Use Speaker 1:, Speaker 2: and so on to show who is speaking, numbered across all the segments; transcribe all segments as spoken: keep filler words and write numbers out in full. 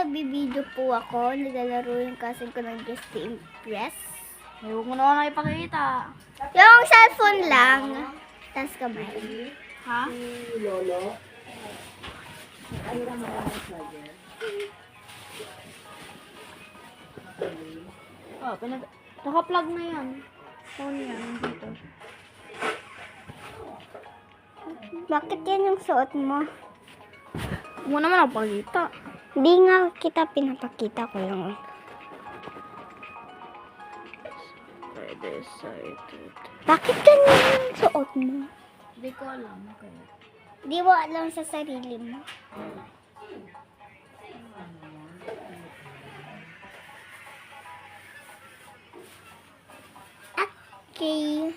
Speaker 1: nagbibideo po ako. Naglalaro yung cousin ko ng Just to Impress.
Speaker 2: Ay, huwag mo naman ipakita.
Speaker 1: Yung cellphone lang. Tapos kamay.
Speaker 2: Ha? Oh, pinag... Naka-plug na yan. Phone yan, dito.
Speaker 1: Bakit yan yung suot mo?
Speaker 2: Huwag mo naman ako pakita.
Speaker 1: Hindi nga kita pinapakita ko lang.
Speaker 2: Pwede sa ito.
Speaker 1: Bakit ganyan yung suot mo?
Speaker 2: Hindi ko alam. Kaya.
Speaker 1: Di mo alam sa sarili mo. Okay.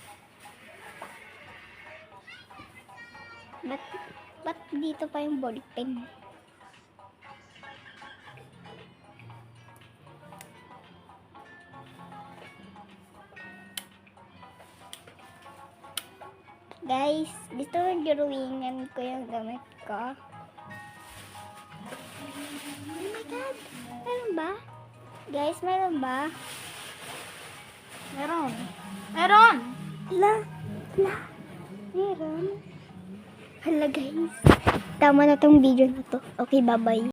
Speaker 1: Ba't, ba't dito pa yung body pen? Guys, gusto mo drawingan ko yung gamit ko? Oh my God! Meron ba? Guys, meron ba?
Speaker 2: Meron. Meron!
Speaker 1: Hala, hala, meron. Hala guys, tama na tong video na to. Okay, bye-bye.